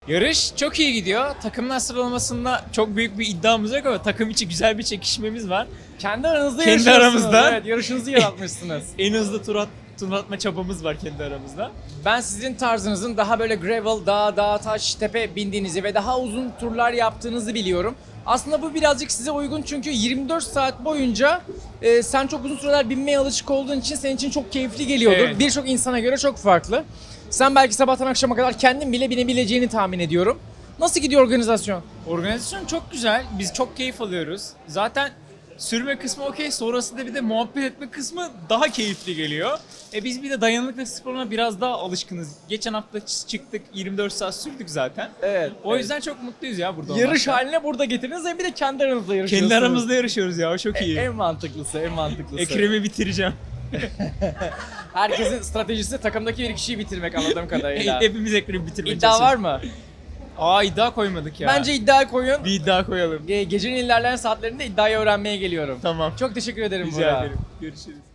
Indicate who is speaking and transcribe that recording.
Speaker 1: Yarış çok iyi gidiyor. Takımlar sıralamasında çok büyük bir iddiamız yok ama takım içi güzel bir çekişmemiz var.
Speaker 2: Kendi aranızda
Speaker 1: Kendi
Speaker 2: yarışıyorsunuz.
Speaker 1: aramızda.
Speaker 2: Evet, yarışınızı yaratmışsınız.
Speaker 1: En hızlı tur atma çabamız var kendi aramızda.
Speaker 2: Ben sizin tarzınızın daha böyle gravel, dağ, taş, tepe bindiğinizi ve daha uzun turlar yaptığınızı biliyorum. Aslında bu birazcık size uygun çünkü 24 saat boyunca sen çok uzun süreler binmeye alışık olduğun için senin için çok keyifli geliyordur.
Speaker 1: Evet.
Speaker 2: Birçok insana göre çok farklı. Sen belki sabahtan akşama kadar kendin bile binebileceğini tahmin ediyorum. Nasıl gidiyor organizasyon?
Speaker 1: Organizasyon çok güzel. Biz çok keyif alıyoruz. Zaten sürme kısmı okey. Sonrasında bir de muhabbet etme kısmı daha keyifli geliyor. Biz bir de dayanıklılık sporuna biraz daha alışkınız. Geçen hafta çıktık 24 saat sürdük zaten.
Speaker 2: Evet.
Speaker 1: O yüzden çok mutluyuz ya burada
Speaker 2: yarış
Speaker 1: olmaktan.
Speaker 2: haline burada getirdiniz ve bir de kendi aranızda yarışıyorsunuz.
Speaker 1: Kendi aramızda yarışıyoruz ya, o çok iyi.
Speaker 2: En mantıklısı, en mantıklısı.
Speaker 1: Ekrem'i bitireceğim.
Speaker 2: Herkesin stratejisi takımdaki bir kişiyi bitirmek anladığım kadarıyla.
Speaker 1: Hepimiz Ekrem'i bitirmeye
Speaker 2: İddia var
Speaker 1: çalışıyoruz.
Speaker 2: mı?
Speaker 1: İddia koymadık ya.
Speaker 2: Bence iddia koyun.
Speaker 1: bir iddia koyalım.
Speaker 2: Gecenin ilerleyen saatlerinde iddiayı öğrenmeye geliyorum.
Speaker 1: Tamam.
Speaker 2: Çok teşekkür ederim
Speaker 1: Rica
Speaker 2: Burak.
Speaker 1: ederim. Görüşürüz.